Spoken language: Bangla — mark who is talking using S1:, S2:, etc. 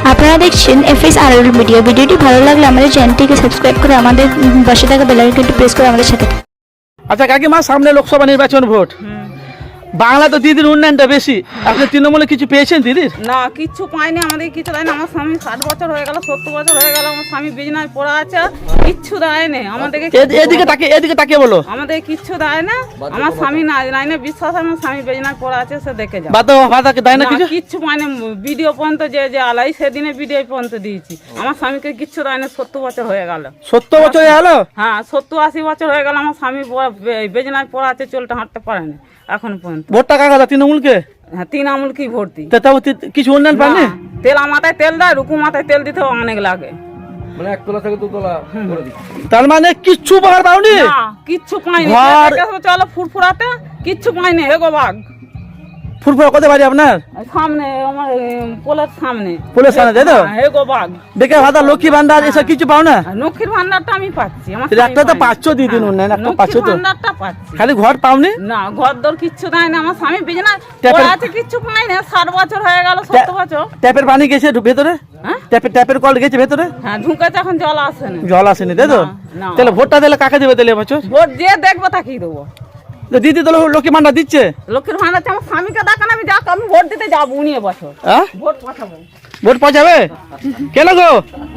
S1: আপনারা দেখছেন FSRL মিডিয়া। ভিডিওটি ভালো লাগলে আমাদের চ্যানেলটিকে সাবস্ক্রাইব করে আমাদের পাশে থাকা বেল আইকনটি প্রেস করে আমাদের সাথে।
S2: আচ্ছা কাকিমা, সামনে লোকসভা নির্বাচন ভোট, বাংলা তো দিদির উন্নয়নটা বেশি, আপনি তৃণমূলে কিছু পেয়েছেন দিদির?
S3: না, কিচ্ছু পাইনি, আমাদের কিছু দেয়নি। আমার স্বামী 60 বছর হয়ে গেল, 70 বছর হয়ে গেল, আমার স্বামী বিজনেস পড়া আছে, কিচ্ছু দেয়নি আমাদেরকে।
S2: এদিকে তাকিয়ে বলো।
S3: আমাদের কিচ্ছু দেয় না, আমার স্বামী নাই না বিশ্বাস, আমার স্বামী বিজনেস পড়া আছে, সে দেখে যাও।
S2: বাদাকে দেয় না কিছু?
S3: কিচ্ছু পাইনি, ভিডিও পর্যন্ত যে আলাই সেদিনে ভিডিও পর্যন্ত দিয়েছি। আমার স্বামীকে কিচ্ছু দেয় না, 70 বছর হয়ে গেল।
S2: 70 বছর হয়ে গেল?
S3: হ্যাঁ, 70-80 বছর হয়ে গেল, আমার স্বামী বিজনেস পড়া আছে, চলতে হাঁটতে পারে না এখন পর্যন্ত।
S2: ভোটটা কাকা তৃণমূলকে?
S3: হ্যাঁ, 3 আমুল কি ভর্তি।
S2: তাও কিছু উন্নয়ন পাননি?
S3: তেল মাথায় তেল দেয়, রুকু মাথায় তেল দিতে অনেক লাগে,
S4: মানে 1 তলা থেকে 2 তলা করে দিচ্ছে।
S2: তার মানে কিচ্ছু উপকার পাওনি?
S3: না, কিচ্ছু পাইনি।
S2: ঘর-
S3: চলো ফুরফুরাতে, কিচ্ছু পাইনি। হেগো বাঘ
S2: ফুরফুরা কত বাড়ি আপনার?
S3: সামনে, আমার পোলের সামনে।
S2: পোলের সামনে, তাই তো?
S3: হেগো বাঘ
S2: বেকার ভাতা, লক্ষ্মী ভান্ডার, এসব কিছু পাও না?
S3: লক্ষ্মীর ভান্ডারটা আমি পাচ্ছি, আমার
S2: একটা তো পাচ্ছ দিদিন উন্নয়ন, একটা পাচ্ছ
S3: লক্ষ্মীর
S2: তো,
S3: ভান্ডারটা পাচ্ছি।
S2: খালি ঘর পাওনি?
S3: না, ঘর দর কিচ্ছু দেয় না, আমার স্বামী বিজনেস
S2: ট্যাপের-
S3: আছে, কিচ্ছু পাই না। 60 বছর হয়ে গেল, 70 বছর।
S2: ট্যাপের পানি গেছে ভেতরে?
S3: হ্যাঁ
S2: ট্যাপের কল গেছে ভেতরে?
S3: হ্যাঁ, ঢুকেছে, এখন জল আসে না।
S2: জল আসেনি, তাই তো?
S3: না।
S2: তাহলে ভোটটা দিলে কাকে দেবে তাহলে এবছর?
S3: ভোট যে দেখবো তাকেই দেবো।
S2: তো দিদি তো লক্ষ্মী ভান্ডার দিচ্ছে।
S3: লক্ষ্মীর ভান্ডার আছে, আমার স্বামীকে দেখান, আমি যাক, আমি ভোট দিতে যাবো উনি এবছর।
S2: হ্যাঁ,
S3: ভোট পাঠাবো।
S2: ভোট পাওয়া যাবে? কেন গো?